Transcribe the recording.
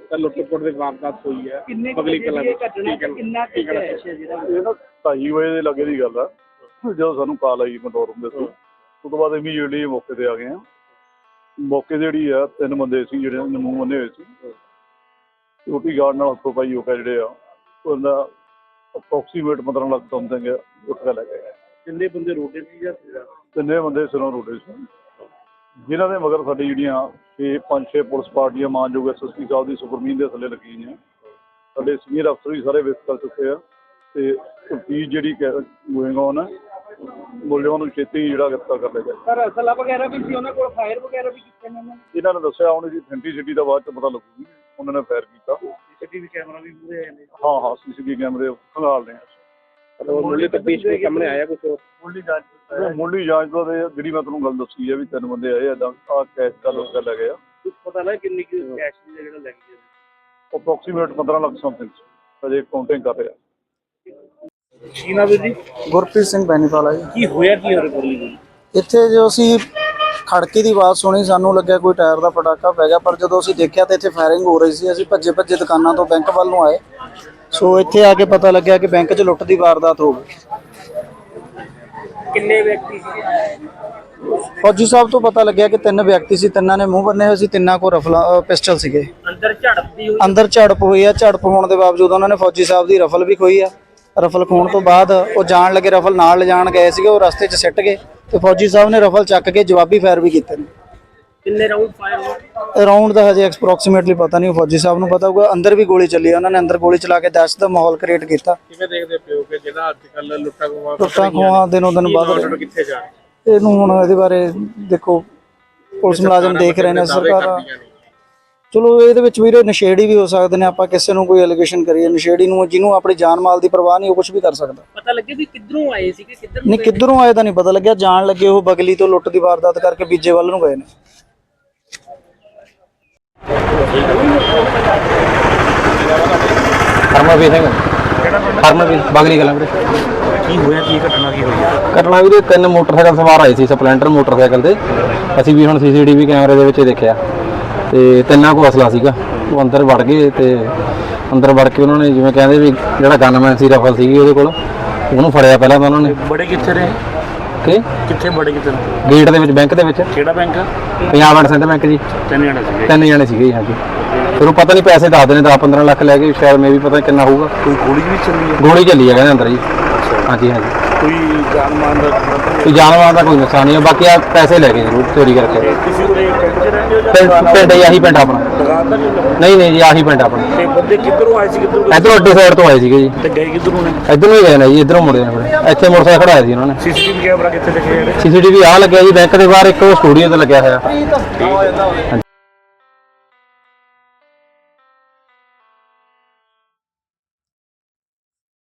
ਲੁੱਟ-ਖੋਟ ਦੀ ਵਾਰਦਾਤ ਹੋਈ ਹੈ ਕਿੰਨੇ ਪਗਲੀ ਕਲਾਂ ਵਿੱਚ ਘਟਨਾ ਕਿੰਨਾ ਕੈਸ਼ ਹੈ ਜਿਹੜਾ ਇਹ ਨਾ 2:30 ਵਜੇ ਦੇ ਲੱਗੇ ਦੀ ਗੱਲ ਆ। ਜਦੋਂ ਸਾਨੂੰ ਕਾਲ ਆਈ ਕੰਟਰੋਲ ਰੂਮ ਦੇ ਤੋਂ ਉਸ ਤੋਂ ਬਾਅਦ ਇਮੀਡੀਏਟਲੀ ਮੌਕੇ ਤੇ ਆ ਗਏ ਆ। ਮੌਕੇ ਜਿਹੜੀ ਆ 3 ਬੰਦੇ ਸੀ ਜਿਹੜੇ ਮੂੰਹ ਬੰਨੇ ਹੋਏ ਸੀ, ਸਿਕਿਉਰਟੀ ਗਾਰਡ ਨਾਲ ਹੱਥੋਂ ਪਾਈ ਹੋ ਕੇ ਜਿਹੜੇ ਆ ਉਹਦਾ ਅਪਰੋਕਸੀਮੇਟ 15 ਲੱਖ ਸਮਥਿੰਗ ਉੱਠ ਕੇ ਲੈ ਗਏ। ਕਿੰਨੇ ਬੰਦੇ ਰੋਡੇ ਸੀ ਜਾਂ 3 ਬੰਦੇ ਸਿਰੋਂ ਰੋਡੇ ਸੀ, ਜਿਨ੍ਹਾਂ ਦੇ ਮਗਰ ਸਾਡੀ ਜਿਹੜੀਆਂ 5-6 ਪੁਲਿਸ ਪਾਰਟੀਆਂ ਮਾਨਯੋਗ SSP ਸਾਹਿਬ ਦੀ ਸੁਪਰਮੀਨ ਦੇ ਥੱਲੇ ਲੱਗੀ ਨੇ। ਸਾਡੇ ਸੀਨੀਅਰ ਅਫਸਰ ਵੀ ਸਾਰੇ ਵਿਜ਼ਿਟ ਕਰ ਚੁੱਕੇ ਆ ਤੇ ਤਫਤੀਸ਼ ਜਿਹੜੀ ਗੋਇੰਗ ਔਨ ਹੈ, ਮੁਲਜ਼ਮਾਂ ਨੂੰ ਛੇਤੀ ਜਿਹੜਾ ਗ੍ਰਿਫਤਾਰ ਕਰ ਲਿਆ ਜਾਏ। ਸਰ ਅਸਲਾ ਵਗੈਰਾ ਵੀ ਸੀ ਉਹਨਾਂ ਕੋਲ, ਫਾਇਰ ਵਗੈਰਾ ਵੀ ਕੀਤੇ ਨੇ ਇਹਨਾਂ ਨੇ ਦੱਸਿਆ ਹੁਣ ਇਹਦੀ ਅਥੈਂਟਿਸਿਟੀ ਦਾ ਬਾਅਦ 'ਚ ਪਤਾ ਲੱਗੂਗੀ। ਉਹਨਾਂ ਨੇ ਫਾਇਰ ਕੀਤਾ। CCTV ਕੈਮਰਾ ਵੀ ਪੂਰੇ ਆਏ ਨੇ। ਹਾਂ CCTV ਕੈਮਰੇ ਖੰਗਾਲਦੇ ਆ। ਮੁੱਢਲੀ ਤਫਤੀਸ਼ ਵਿੱਚ ਸਾਹਮਣੇ ਆਇਆ ਕੁਝ ਮੁੱਢਲੀ ਜਾਂਚ ਤੋਂ ਜਿਹੜੀ ਮੈਂ ਤੁਹਾਨੂੰ ਗੱਲ ਦੱਸੀ ਹੈ ਵੀ 3 ਬੰਦੇ ਆਏ ਇੱਦਾਂ ਆਹ ਕੈਸ਼ ਦਾ ਲੁੱਟ ਕੇ ਲੈ ਗਏ ਆ। ਕੁਝ ਪਤਾ ਲੱਗਾ ਕਿੰਨੀ ਕੈਸ਼ ਦੀ ਜਿਹੜਾ ਲੈ ਗਏ ਅਪਰੋਕਸੀਮੇਟ 15 ਲੱਖ ਸਮਥਿੰਗ ਅਜੇ ਕਾਊਂਟਿੰਗ ਕਰ ਰਿਹਾ। ਕੀ ਨਾਮ ਹੈ ਜੀ? ਗੁਰਪ੍ਰੀਤ ਸਿੰਘ ਬੈਨੀਵਾਲਾ ਜੀ। ਕੀ ਹੋਇਆ ਕੀ ਹੋ ਰਿਹਾ? ਇੱਥੇ ਜੋ ਅਸੀਂ ਖੜਕੇ ਦੀ ਆਵਾਜ਼ ਸੁਣੀ, ਸਾਨੂੰ ਲੱਗਿਆ ਕੋਈ ਟਾਇਰ ਦਾ ਪਟਾਕਾ ਪੈ ਗਿਆ, ਪਰ ਜਦੋਂ ਅਸੀਂ ਦੇਖਿਆ ਤਾਂ ਇੱਥੇ ਫਾਇਰਿੰਗ ਹੋ ਰਹੀ ਸੀ। ਅਸੀਂ ਭੱਜੇ ਦੁਕਾਨਾਂ ਤੋਂ ਬੈਂਕ ਵੱਲ ਨੂੰ ਆਏ। ਸੋ ਇੱਥੇ ਆ ਕੇ ਪਤਾ ਲੱਗਿਆ ਕਿ ਬੈਂਕ 'ਚ ਲੁੱਟ ਦੀ ਵਾਰਦਾਤ ਹੋ ਗਈ। ਕਿੰਨੇ ਵਿਅਕਤੀ ਸੀ? ਫੌਜੀ ਸਾਹਿਬ ਤੋਂ ਪਤਾ ਲੱਗਿਆ ਕਿ 3 ਵਿਅਕਤੀ ਸੀ, 3 ਨੇ ਮੂੰਹ ਬੰਨੇ ਹੋਏ ਸੀ, 3 ਕੋਲ ਰਫਲ ਪਿਸਟਲ ਸੀਗੇ। ਅੰਦਰ ਝੜਪ ਹੋਈ ਆ। ਝੜਪ ਹੋਣ ਦੇ ਬਾਵਜੂਦ ਉਹਨਾਂ ਨੇ ਫੌਜੀ ਸਾਹਿਬ ਦੀ ਰਫਲ ਵੀ ਖੋਈ ਆ। ਰਫਲ ਖੋਣ ਤੋਂ ਬਾਅਦ ਉਹ ਜਾਣ ਲੱਗੇ, ਰਫਲ ਨਾਲ ਲਿਜਾਣ ਗਏ ਸੀਗੇ, ਉਹ ਰਸਤੇ 'ਚ ਸਿੱਟ ਗਏ ਤੇ ਫੌਜੀ ਸਾਹਿਬ ਨੇ ਰਫਲ ਚੱਕ ਕੇ ਜਵਾਬੀ ਫਾਇਰ ਵੀ ਕੀਤੇ ਨੇ। ਕਿੰਨੇ ਰਾਉਂਡ ਫਾਇਰ ਹੋਏ? ਰਾਉਂਡ ਦਾ ਹਜੇ ਐਕਸਪ੍ਰੋਕਸੀਮੇਟਲੀ ਪਤਾ ਨਹੀਂ, ਫੌਜੀ ਸਾਹਿਬ ਨੂੰ ਪਤਾ ਹੋਊਗਾ। ਅੰਦਰ ਵੀ ਗੋਲੀ ਚੱਲੀ, ਉਹਨਾਂ ਨੇ ਅੰਦਰ ਗੋਲੀ ਚਲਾ ਕੇ ਦਹਿਸ਼ਤ ਦਾ ਮਾਹੌਲ ਕ੍ਰੀਏਟ ਕੀਤਾ। ਕਿਵੇਂ ਦੇਖਦੇ ਪਿਓ ਕਿ ਜਿਹੜਾ ਅੱਜ ਕੱਲ੍ਹ ਲੁੱਟਾਂ ਖੋਹਾਂ ਦਿਨੋਂ ਦਿਨ ਵੱਧ ਰਹੀਆਂ। ਕਿੱਥੇ ਜਾ ਇਹਨੂੰ ਹੁਣ ਇਹਦੇ ਬਾਰੇ ਦੇਖੋ ਪੁਲਿਸ ਮੁਲਾਜ਼ਮ ਦੇਖ ਰਹੇ ਨੇ, ਸਰਕਾਰ। ਚਲੋ ਇਹਦੇ ਵਿੱਚ ਵੀਰੇ ਨਸ਼ੇੜੀ ਵੀ ਹੋ ਸਕਦੇ ਨੇ। ਆਪਾਂ ਕਿਸੇ ਨੂੰ ਕੋਈ ਐਲੀਗੇਸ਼ਨ ਕਰੀਏ, ਨਸ਼ੇੜੀ ਨੂੰ ਜਿਹਨੂੰ ਆਪਣੀ ਜਾਨ ਮਾਲ ਦੀ ਪਰਵਾਹ ਨਹੀਂ, ਉਹ ਕੁਝ ਵੀ ਕਰ ਸਕਦਾ। ਪਤਾ ਲੱਗੇ ਵੀ ਕਿੱਧਰੋਂ ਆਏ ਸੀਗੇ, ਨਹੀਂ ਕਿੱਧਰੋਂ ਆਏ ਤਾਂ ਨਹੀਂ ਪਤਾ ਲੱਗਿਆ। ਜਾਣ ਲੱਗੇ ਉਹ ਬਗਲੀ ਤੋਂ ਲੁੱਟ ਦੀ ਵਾਰਦਾਤ ਕਰਕੇ ਬੀਜੇ ਵੱਲ ਨੂੰ ਗਏ ਨੇ। ਹਰਮਨਵੀਰ ਸਿੰਘ ਹਰਮਨਵੀਰ ਬਗਲੀ ਕਲਾਂ ਵੀਰੇ। ਕੀ ਹੋਇਆ ਕੀ ਘਟਨਾ ਕੀ ਹੋਈ ਹੈ? ਘਟਨਾ ਵੀਰੇ 3 ਮੋਟਰਸਾਈਕਲ ਸਵਾਰ ਆਏ ਸੀ ਸਪਲੈਂਡਰ ਮੋਟਰਸਾਈਕਲ ਤੇ। ਅਸੀਂ ਵੀ ਹੁਣ CCTV ਕੈਮਰੇ ਦੇ ਵਿੱਚ ਦੇਖਿਆ ਤੇ 3 ਕੋਲ ਅਸਲਾ ਸੀਗਾ। ਉਹ ਅੰਦਰ ਵੜ ਗਏ ਤੇ ਅੰਦਰ ਵੜ ਕੇ ਉਹਨਾਂ ਨੇ ਜਿਵੇਂ ਕਹਿੰਦੇ ਵੀ ਜਿਹੜਾ ਗਨਮੈਨ ਸੀ ਰਫਲ ਸੀਗੀ ਉਹਦੇ ਕੋਲ, ਉਹਨੂੰ ਫੜਿਆ ਪਹਿਲਾਂ ਤਾਂ ਉਹਨਾਂ ਨੇ। ਬੜੇ ਕਿੱਥੇ ਰਹੇ? ਕਿੱਥੇ ਬੜੇ ਕਿੱਥੇ? ਗੇਟ ਦੇ ਵਿੱਚ, ਬੈਂਕ ਦੇ ਵਿੱਚ। ਕਿਹੜਾ bank? Punjab and Sind bank ਜੀ। 3 ਜਣੇ ਸੀਗੇ? 3 ਜਣੇ ਸੀਗੇ ਜੀ। ਹਾਂਜੀ। ਫਿਰ ਉਹ ਪਤਾ ਨਹੀਂ ਪੈਸੇ ਦੱਸਦੇ ਨੇ 10-15 ਲੱਖ ਲੈ ਕੇ, ਸ਼ਾਇਦ ਮੈਂ ਵੀ ਪਤਾ ਕਿੰਨਾ ਹੋਊਗਾ। ਕੋਈ ਗੋਲੀ ਵੀ ਚੱਲੀ ਹੈ? ਗੋਲੀ ਚੱਲੀ ਹੈ ਕਹਿੰਦੇ ਅੰਦਰ ਜੀ। ਹਾਂਜੀ। ਕੋਈ ਜਾਨਮਾਨ ਦਾ ਕੋਈ ਜਾਨਵਰਾਂ ਦਾ ਕੋਈ ਨੁਕਸਾਨ ਨਹੀਂ, ਬਾਕੀ ਆ ਪੈਸੇ ਲੈ ਗਏ ਜ਼ਰੂਰ ਚੋਰੀ ਕਰਕੇ। ਤੁਸੀਂ ਉਹਦੇ ਪਿੰਡ 'ਚ ਰਹਿੰਦੇ ਹੋ? ਪਿੰਡ ਆਹੀ ਪਿੰਡ ਆਪਣਾ। ਦੁਕਾਨ ਦਾ ਨਹੀਂ ਜੀ, ਆਹੀ ਪਿੰਡ ਆਪਣਾ। ਤੇ ਬੰਦੇ ਕਿੱਧਰੋਂ ਆਏ ਸੀ? ਇੱਧਰੋਂ ਅੱਡੇ ਸਾਈਡ ਤੋਂ ਆਏ ਸੀਗੇ ਜੀ। ਤੇ ਗਏ ਕਿੱਧਰੋਂ ਨੇ? ਇੱਧਰੋਂ ਹੀ ਗਏ ਨੇ ਜੀ, ਇੱਧਰੋਂ ਮੁੜੇ ਨੇ ਫਿਰ। ਇੱਥੇ ਮੋਟਰਸਾਈਕਲ ਖੜਾਇਆ ਸੀ ਉਹਨਾਂ ਨੇ। CCTV ਕੈਮਰਾ ਕਿੱਥੇ ਦੇਖਿਆ? CCTV ਆ ਲੱਗਿਆ ਜੀ ਬੈਂਕ ਦੇ ਬਾਹਰ, ਇੱਕ ਉਹ ਸਟੂਡੀਓ ਤੇ ਲੱਗਿਆ ਹੋਇਆ।